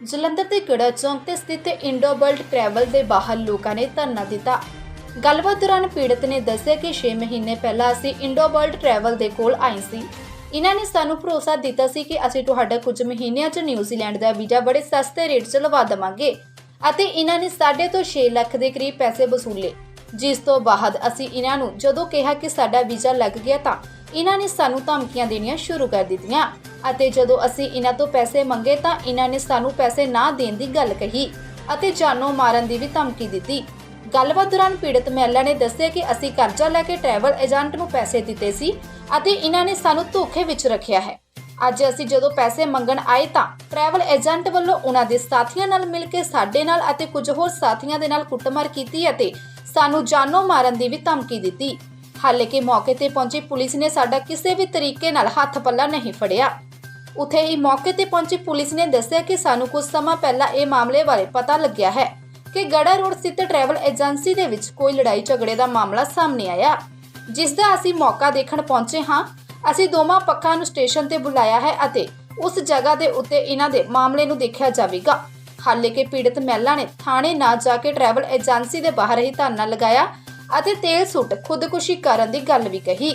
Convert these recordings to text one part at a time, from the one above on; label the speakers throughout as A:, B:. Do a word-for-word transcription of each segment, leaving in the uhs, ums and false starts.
A: ਜਲੰਧਰ ਦੇ ਗੜਾ ਚੌਂਕ ਤੇ ਸਥਿਤ ਇੰਡੋ ਵਰਲਡ ਟਰੈਵਲ ਦੇ ਬਾਹਰ ਲੋਕਾਂ ਨੇ ਧਰਨਾ ਦਿੱਤਾ। ਗੱਲਬਾਤ ਦੌਰਾਨ ਪੀੜਤ ਨੇ ਦੱਸਿਆ ਕਿ ਛੇ ਮਹੀਨੇ ਪਹਿਲਾਂ ਅਸੀਂ ਇੰਡੋ ਵਰਲਡ ਟਰੈਵਲ ਦੇ ਕੋਲ ਆਏ ਸੀ। ਇਹਨਾਂ ਨੇ ਸਾਨੂੰ ਭਰੋਸਾ ਦਿੱਤਾ ਸੀ ਕਿ ਅਸੀਂ ਤੁਹਾਡਾ ਕੁਝ ਮਹੀਨਿਆਂ 'ਚ ਨਿਊਜ਼ੀਲੈਂਡ ਦਾ ਵੀਜ਼ਾ ਬੜੇ ਸਸਤੇ ਰੇਟ 'ਚ ਲਵਾ ਦੇਵਾਂਗੇ ਅਤੇ ਇਹਨਾਂ ਨੇ ਸਾਡੇ ਤੋਂ ਛੇ ਲੱਖ ਦੇ ਕਰੀਬ ਪੈਸੇ ਵਸੂਲੇ। ਜਿਸ ਤੋਂ ਬਾਅਦ ਅਸੀਂ ਇਹਨਾਂ ਨੂੰ ਜਦੋਂ ਕਿਹਾ ਕਿ ਸਾਡਾ ਵੀਜ਼ਾ ਲੱਗ ਗਿਆ ਤਾਂ ਇਹਨਾਂ ਨੇ ਸਾਨੂੰ ਧਮਕੀਆਂ ਦੇਣੀਆਂ ਸ਼ੁਰੂ ਕਰ ਦਿੱਤੀਆਂ ਅਤੇ ਜਦੋਂ ਅਸੀਂ ਇਹਨਾਂ ਤੋਂ ਪੈਸੇ ਮੰਗੇ ਤਾਂ ਇਹਨਾਂ ਨੇ ਸਾਨੂੰ ਪੈਸੇ ਨਾ ਦੇਣ ਦੀ ਗੱਲ ਕਹੀ ਅਤੇ ਜਾਨੋਂ ਮਾਰਨ ਦੀ ਵੀ ਧਮਕੀ ਦਿੱਤੀ। ਗੱਲਬਾਤ ਦੌਰਾਨ ਪੀੜਤ ਮਹਿਲਾ ਨੇ ਦੱਸਿਆ ਕਿ ਅਸੀਂ ਕਰਜ਼ਾ ਲੈ ਕੇ ਟਰੈਵਲ ਏਜੰਟ ਨੂੰ ਪੈਸੇ ਦਿੱਤੇ ਸੀ ਅਤੇ ਇਹਨਾਂ ਨੇ ਸਾਨੂੰ ਧੋਖੇ ਵਿੱਚ ਰੱਖਿਆ ਹੈ। ਅੱਜ ਅਸੀਂ ਜਦੋਂ ਪੈਸੇ ਮੰਗਣ ਆਏ ਤਾਂ ਟਰੈਵਲ ਏਜੰਟ ਵੱਲੋਂ ਉਹਨਾਂ ਦੇ ਸਾਥੀਆਂ ਨਾਲ ਮਿਲ ਕੇ ਸਾਡੇ ਨਾਲ ਅਤੇ ਕੁਝ ਹੋਰ ਸਾਥੀਆਂ ਦੇ ਨਾਲ ਕੁੱਟਮਾਰ ਕੀਤੀ ਅਤੇ ਸਾਨੂੰ ਜਾਨੋਂ ਮਾਰਨ ਦੀ ਵੀ ਧਮਕੀ ਦਿੱਤੀ। ਹਾਲਾਂਕਿ ਮੌਕੇ ਤੇ ਪਹੁੰਚੀ ਪੁਲਿਸ ਨੇ ਸਾਡਾ ਕਿਸੇ ਵੀ ਤਰੀਕੇ ਨਾਲ ਹੱਥ ਪੱਲਾ ਨਹੀਂ ਫੜਿਆ। ਉੱਥੇ ਹੀ ਮੌਕੇ ਤੇ ਪਹੁੰਚੀ ਪੁਲਿਸ ਨੇ ਦੱਸਿਆ ਕਿ ਸਾਨੂੰ ਕੁਝ ਸਮਾਂ ਪਹਿਲਾਂ ਇਹ ਮਾਮਲੇ ਬਾਰੇ ਪਤਾ ਲੱਗਿਆ ਹੈ ਕਿ ਗੜਾ ਰੋਡ ਸਥਿਤ ਟਰੈਵਲ ਏਜੰਸੀ ਦੇ ਵਿੱਚ ਕੋਈ ਲੜਾਈ ਝਗੜੇ ਦਾ ਮਾਮਲਾ ਸਾਹਮਣੇ ਆਇਆ, ਜਿਸ ਦਾ ਅਸੀਂ ਮੌਕਾ ਦੇਖਣ ਪਹੁੰਚੇ ਹਾਂ। ਅਸੀਂ ਦੋਵਾਂ ਪੱਖਾਂ ਨੂੰ ਸਟੇਸ਼ਨ ਤੇ ਬੁਲਾਇਆ ਹੈ ਅਤੇ ਉਸ ਜਗ੍ਹਾ ਦੇ ਉੱਤੇ ਇਹਨਾਂ ਦੇ ਮਾਮਲੇ ਨੂੰ ਦੇਖਿਆ ਜਾਵੇਗਾ। ਹਾਲਾਂਕਿ ਪੀੜਤ ਮਹਿਲਾ ਨੇ ਥਾਣੇ ਨਾ ਜਾ ਕੇ ਟਰੈਵਲ ਏਜੰਸੀ ਦੇ ਬਾਹਰ ਹੀ ਧਰਨਾ ਲਗਾਇਆ ਅਤੇ ਤੇਲ ਸੁੱਟ ਖੁਦਕੁਸ਼ੀ ਕਰਨ ਦੀ ਗੱਲ ਵੀ ਕਹੀ।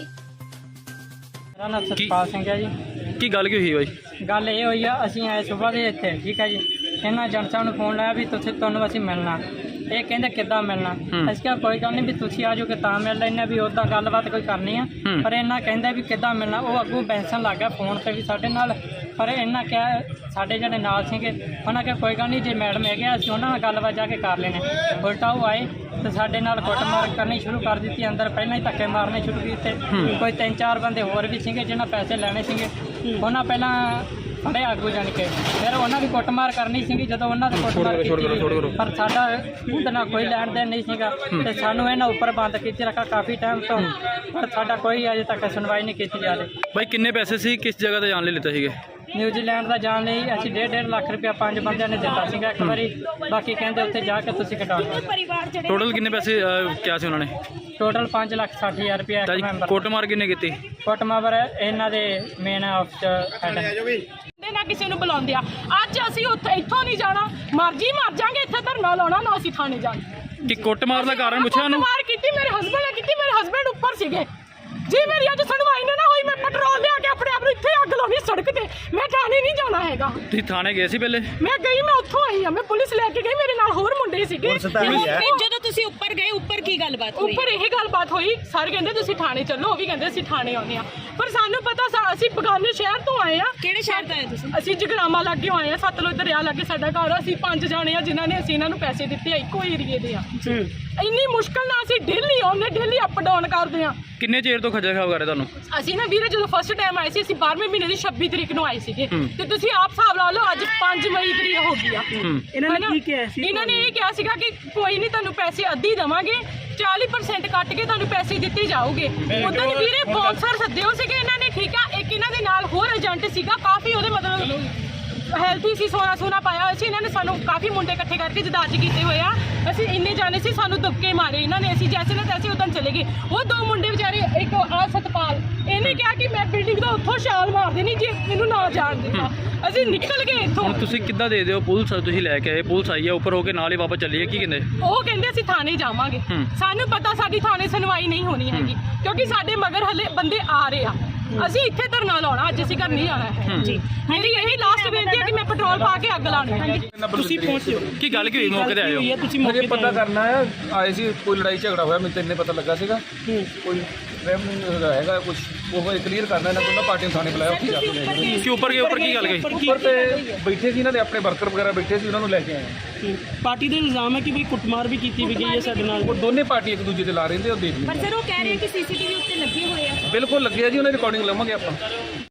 B: ਮੇਰਾ ਨਾਮ ਸਤਪਾਲ ਸਿੰਘ ਹੈ ਜੀ।
C: ਕੀ ਗੱਲ ਕੀ ਹੋਈ ਬਾਈ?
B: ਗੱਲ ਇਹ ਹੋਈ ਆ, ਅਸੀਂ ਆਏ ਸਵੇਰ ਦੇ ਇੱਥੇ, ਠੀਕ ਹੈ ਜੀ। ਇਹਨਾਂ ਏਜੰਟ ਸਾਹਿਬ ਨੂੰ ਫੋਨ ਲਾਇਆ ਵੀ ਤੁਸੀਂ ਤੁਹਾਨੂੰ ਅਸੀਂ ਮਿਲਣਾ। ਇਹ ਕਹਿੰਦੇ ਕਿੱਦਾਂ ਮਿਲਣਾ? ਅਸੀਂ ਕਿਹਾ ਕੋਈ ਗੱਲ ਨਹੀਂ ਵੀ ਤੁਸੀਂ ਆ ਜਾਓਗੇ ਤਾਂ ਮਿਲ ਲੈਂਦੇ ਵੀ ਉੱਦਾਂ ਗੱਲਬਾਤ ਕੋਈ ਕਰਨੀ ਆ। ਪਰ ਇਹਨਾਂ ਕਹਿੰਦੇ ਵੀ ਕਿੱਦਾਂ ਮਿਲਣਾ। ਉਹ ਅੱਗੋਂ ਬੈਂਸਣ ਲੱਗ ਗਿਆ ਫੋਨ ਤੇ ਵੀ ਸਾਡੇ ਨਾਲ। ਪਰ ਇਹਨਾਂ ਕਿਹਾ ਸਾਡੇ ਜਿਹੜੇ ਨਾਲ ਸੀਗੇ ਉਹਨਾਂ ਕਿਹਾ ਕੋਈ ਗੱਲ ਨਹੀਂ, ਜੇ ਮੈਡਮ ਹੈਗੇ ਅਸੀਂ ਉਹਨਾਂ ਨਾਲ ਗੱਲਬਾਤ ਜਾ ਕੇ ਕਰ ਲੈਣੇ। ਉਲਟਾ ਉਹ ਆਏ ਤੇ ਸਾਡੇ ਨਾਲ ਕੁੱਟਮਾਰ ਕਰਨੀ ਸ਼ੁਰੂ ਕਰ ਦਿੱਤੀ। ਅੰਦਰ ਪਹਿਲਾਂ ਹੀ ਧੱਕੇ ਮਾਰਨੇ ਸ਼ੁਰੂ ਕੀਤੇ। ਕੋਈ ਤਿੰਨ ਚਾਰ ਬੰਦੇ ਹੋਰ ਵੀ ਸੀਗੇ ਜਿਹਨਾਂ ਪੈਸੇ ਲੈਣੇ ਸੀਗੇ। ਉਹਨਾਂ ਪਹਿਲਾਂ ਫੜੇ ਆਗੂ ਜਾਣ ਕੇ ਫਿਰ ਉਹਨਾਂ ਦੀ ਕੁੱਟਮਾਰ ਕਰਨੀ ਸੀਗੀ। ਜਦੋਂ ਉਹਨਾਂ ਦੇ ਕੁੱਟਮਾਰ ਕੀਤੀ ਪਰ ਸਾਡਾ ਉਹਦੇ ਨਾਲ ਕੋਈ ਲੈਣ ਦੇਣ ਨਹੀਂ ਸੀਗਾ ਤੇ ਸਾਨੂੰ ਇਹਨਾਂ ਉੱਪਰ ਬੰਦ ਕੀਤੀ ਰੱਖਾ ਕਾਫੀ ਟਾਈਮ ਤੋਂ। ਪਰ ਸਾਡਾ ਕੋਈ ਅਜੇ ਤੱਕ ਸੁਣਵਾਈ ਨਹੀਂ ਕੀਤੀ ਜਾ ਰਹੀ।
C: ਬਾਈ ਕਿੰਨੇ ਪੈਸੇ ਸੀ, ਕਿਸ ਜਗ੍ਹਾ ਤੇ ਜਾਣ ਲਈ ਲਿੱਤੇ ਸੀਗੇ?
B: ਨਿਊਜ਼ੀਲੈਂਡ ਦਾ ਜਾਣ ਲਈ ਅਸੀਂ ਡੇਢ ਡੇਢ ਲੱਖ ਰੁਪਇਆ ਪੰਜ ਬੰਦਿਆਂ ਨੇ ਦਿੱਤਾ ਸੀਗਾ ਇੱਕ ਵਾਰੀ। ਬਾਕੀ ਕਹਿੰਦੇ ਉੱਥੇ ਜਾ ਕੇ ਤੁਸੀਂ ਕਟਾ ਲਓ।
C: ਟੋਟਲ ਕਿੰਨੇ ਪੈਸੇ ਅਹ, ਕਿਹਾ ਸੀ ਉਹਨਾਂ ਨੇ?
B: ਟੋਟਲ ਪੰਜ ਲੱਖ ਸੱਠ ਹਜ਼ਾਰ ਰੁਪਇਆ ਇੱਕ ਮੈਂਬਰ।
C: ਕੁੱਟਮਾਰ ਕਿੰਨੇ ਕੀਤੀ?
B: ਕੁੱਟਮਾਰ ਇਹਨਾਂ ਦੇ ਮੇਨ ਆਫਿਸ ਹੈਡ
D: ਦੇ ਨਾ ਕਿਸੇ ਨੂੰ ਬੁਲਾਉਂਦੇ ਆ। ਅੱਜ ਅਸੀਂ ਉੱਥੇ ਇੱਥੋਂ ਨਹੀਂ ਜਾਣਾ, ਮਰਜੀ ਮਰ ਜਾਾਂਗੇ, ਇੱਥੇ ਧਰਨਾ ਲਾਉਣਾ ਨਾ ਅਸੀਂ ਥਾਣੇ ਜਾਣਾ।
C: ਕਿ ਕੁੱਟਮਾਰ ਦਾ ਕਾਰਨ ਪੁੱਛਿਆ ਉਹਨੂੰ?
D: ਕੁੱਟਮਾਰ ਕੀਤੀ ਮੇਰੇ ਹਸਬੰਡ ਨੇ ਕੀਤੀ। ਮੇਰੇ ਹਸਬੰਡ ਉੱਪਰ ਸੀਗੇ ਜੀ। ਮੇਰੀ ਅੱਜ ਸੁਣਵਾਈ ਨਾ ਹੋਈ, ਮੈਂ ਪੈਟਰੋਲ ਲਿਆ ਕੇ ਆਪਣੇ ਆਪ ਨੂੰ ਇੱਥੇ ਅੱਗ ਲਾਉਣੀ ਸੜਕ ਤੇ। ਮੈਂ ਥਾਣੇ ਨਹੀਂ ਜਾਣਾ ਹੈਗਾ।
C: ਤੁਸੀਂ ਥਾਣੇ ਗਏ ਸੀ ਪਹਿਲੇ?
D: ਮੈਂ ਗਈ, ਮੈਂ ਉੱਥੋਂ ਆਈ ਆ। ਮੈਂ ਪੁਲਿਸ ਲੈ ਕੇ ਗਈ, ਮੇਰੇ ਨਾਲ ਹੋਰ ਮੁੰਡੇ ਸੀਗੇ।
E: ਜਦੋਂ ਤੁਸੀਂ ਉੱਪਰ ਗਏ, ਉੱਪਰ ਕੀ ਗੱਲਬਾਤ ਹੋਈ?
D: ਉੱਪਰ ਇਹ ਗੱਲਬਾਤ ਹੋਈ, ਸਰ ਕਹਿੰਦੇ ਤੁਸੀਂ ਥਾਣੇ ਚੱਲੋ, ਉਹ ਵੀ ਕਹਿੰਦੇ ਅਸੀਂ ਥਾਣੇ ਆਉਂਦੇ ਆ। ਪਰ ਸਾਨੂੰ ਪਤਾ ਸਾ- ਅਸੀਂ ਬਗਾਨੇ ਸ਼ਹਿਰ ਤੋਂ ਆਏ ਆ।
E: ਕਿਹੜੇ ਸ਼ਹਿਰ ਤੋਂ ਆਏ ਤੁਸੀਂ?
D: ਅਸੀਂ ਜਗਰਾਮਾ ਲਾਗੇ ਆਏ ਆ। ਸਤਲੁਜ ਦਰਿਆ ਲਾਗੇ ਸਾਡਾ ਘਰ ਆ। ਅਸੀਂ ਪੰਜ ਜਾਣੇ ਆ ਜਿਨ੍ਹਾਂ ਨੇ ਅਸੀਂ ਇਹਨਾਂ ਨੂੰ ਪੈਸੇ ਦਿੱਤੇ ਆ, ਇੱਕੋ ਏਰੀਏ ਦੇ ਆ। ਇੰਨੀ ਮੁਸ਼ਕਲ ਨਾਲ ਅਸੀਂ ਡੇਲੀ ਆਉਂਦੇ, ਡੇਲੀ ਅਪ ਡਾਊਨ ਕਰਦੇ ਆ।
C: ਕਿੰਨੇ ਚਿਰ ਤੋਂ ਖੱਜਲ ਖਰਾਬ ਕਰ ਰਹੇ ਤੁਹਾਨੂੰ?
D: ਅਸੀਂ ਨਾ ਵੀਰੇ ਜਦੋਂ ਫਸਟ ਟਾਈਮ ਆਏ ਸੀ, ਅਸੀਂ ਬਾਰ੍ਹਵੇਂ ਮਹੀਨੇ ਦੀ ਛੱਬੀ ਤਰੀਕ ਨੂੰ ਆਏ ਸੀਗੇ ਤੇ ਤੁਸੀਂ ਆਪ ਹਿਸਾਬ ਲਾ ਲਓ ਅੱਜ ਪੰਜ ਮਈ ਤਰੀਕ ਹੋ ਗਈ ਆ।
B: ਇਹਨਾਂ ਨੇ ਕੀ ਕਿਹਾ ਸੀ?
D: ਇਹਨਾਂ ਨੇ ਇਹ ਕਿਹਾ ਸੀਗਾ ਕਿ ਕੋਈ ਨਹੀਂ ਤੁਹਾਨੂੰ ਪੈਸੇ ਅੱਧੀ ਦੇਵਾਂਗੇ, ਚਾਲੀ ਪਰਸੈਂਟ ਕੱਟ ਕੇ ਤੁਹਾਨੂੰ ਪੈਸੇ ਦਿੱਤੇ ਜਾਓਗੇ। ਉਦੋਂ ਵੀਰੇ ਬੌਂਸਰ ਸੱਦੇ ਹੋ ਸੀਗੇ ਇਹਨਾਂ ਨੇ, ਠੀਕ ਆ। ਇੱਕ ਇਹਨਾਂ ਦੇ ਨਾਲ ਹੋਰ ਏਜੰਟ ਸੀਗਾ, ਕਾਫੀ ਉਹਦੇ ਮਤਲਬ ਹੈਲਥੀ ਸੀ, ਸੋਨਾ ਸੋਨਾ ਪਾਇਆ ਹੋਇਆ ਸੀ। ਇਹਨਾਂ ਨੇ ਸਾਨੂੰ ਕਾਫੀ ਮੁੰਡੇ ਇਕੱਠੇ ਕਰਕੇ ਜਦਾਜ ਕੀਤੇ ਹੋਏ ਆ। ਅਸੀਂ ਇੰਨੇ ਜਾਣੇ ਸੀ, ਸਾਨੂੰ ਦਬਕੇ ਮਾਰੇ ਇਹਨਾਂ ਨੇ। ਅਸੀਂ ਜੈਸੇ ਨਾ ਤੈਸੇ ਉਦੋਂ ਚਲੇ ਗਏ। ਉਹ ਦੋ ਮੁੰਡੇ ਵਿਚਾਰੇ, ਇੱਕ ਆ ਸਤਪਾਲ, ਇਹਨੇ ਕਿਹਾ ਕਿ ਮੈਂ ਬਿਲਡਿੰਗ ਦਾ ਉੱਥੋਂ ਛਾਲ ਮਾਰ ਦੇਣੀ ਜੇ ਮੈਨੂੰ ਨਾ ਜਾਣ ਦਿੱਤਾ। ਅਸੀਂ ਨਿਕਲ ਗਏ ਇੱਥੋਂ।
C: ਹੁਣ ਤੁਸੀਂ ਕਿੱਦਾਂ ਦੇ ਦਿਓ? ਪੁਲਿਸ ਤੁਸੀਂ ਲੈ ਕੇ ਆਏ, ਪੁਲਿਸ ਆਈ ਆ ਉੱਪਰ ਹੋ ਕੇ ਨਾਲ ਹੀ ਵਾਪਸ ਚੱਲੀ ਹੈ, ਕੀ ਕਹਿੰਦੇ?
D: ਉਹ ਕਹਿੰਦੇ ਅਸੀਂ ਥਾਣੇ ਜਾਵਾਂਗੇ। ਸਾਨੂੰ ਪਤਾ ਸਾਡੀ ਥਾਣੇ ਸੁਣਵਾਈ ਨਹੀਂ ਹੋਣੀ ਹੈਗੀ ਕਿਉਂਕਿ ਸਾਡੇ ਮਗਰ ਹਲੇ ਬੰਦੇ ਆ ਰਹੇ ਆ। ਅਸੀਂ ਇੱਥੇ ਧਰਨਾ ਲਾਉਣਾ, ਅੱਜ ਅਸੀਂ ਘਰ ਨਹੀਂ ਜਾਣਾ ਹੈ ਜੀ। ਮੇਰੀ ਇਹੀ ਲਾਸਟ ਬੇਨਤੀ ਹੈ ਕਿ ਮੈਂ ਪੈਟਰੋਲ ਪਾ ਕੇ ਅੱਗ ਲਾਉਣੀ ਹੈ।
C: ਤੁਸੀਂ ਪਹੁੰਚੇ ਕੀ ਗੱਲ ਕੀ ਹੋਈ? ਮੌਕੇ ਤੇ ਆਏ ਹੋ?
B: ਤੁਸੀਂ
F: ਮੁझे पता करना है। आए सी कोई लड़ाई झगड़ा होया, मैं इन्ने पता लगा सीगा कोई रेवन्यू हैगा कुछ वो क्लीयर करना। इन्होंने दोनों पार्टियां थाने बुलाया, उत्थे जाके गए।
C: ਕਿ ਉੱਪਰ ਗਏ? ਉੱਪਰ ਕੀ ਗੱਲ ਗਈ?
F: ਉੱਪਰ ਤੇ ਬੈਠੇ ਸੀ ਇਹਨਾਂ ਦੇ ਆਪਣੇ ਵਰਕਰ ਵਗੈਰਾ ਬੈਠੇ ਸੀ, ਉਹਨਾਂ ਨੂੰ ਲੈ ਕੇ ਆਏ।
B: ਪਾਰਟੀ ਦੇ ਇਲਜ਼ਾਮ ਹੈ ਕਿ ਵੀ ਕੁੱਟਮਾਰ ਵੀ ਕੀਤੀ ਵੀ ਗਈ ਹੈ ਸਾਡੇ ਨਾਲ।
F: ਉਹ ਦੋਨੇ ਪਾਰਟੀ ਇੱਕ ਦੂਜੇ ਤੇ ਲਾ ਰਹੇ ਨੇ, ਉਹ ਦੇਖ
E: ਪਰ
F: ਲਈ।
E: ਸਰ ਉਹ ਕਹਿ ਰਹੇ ਕਿ ਸੀਸੀਟੀਵੀ ਉੱਤੇ ਲੱਗੇ ਹੋਏ ਆ।
F: ਬਿਲਕੁਲ ਲੱਗੇ ਆ ਜੀ, ਉਹਨਾਂ ਦੀ ਰਿਕਾਰਡਿੰਗ ਲਵਾਂਗੇ ਆਪਾਂ।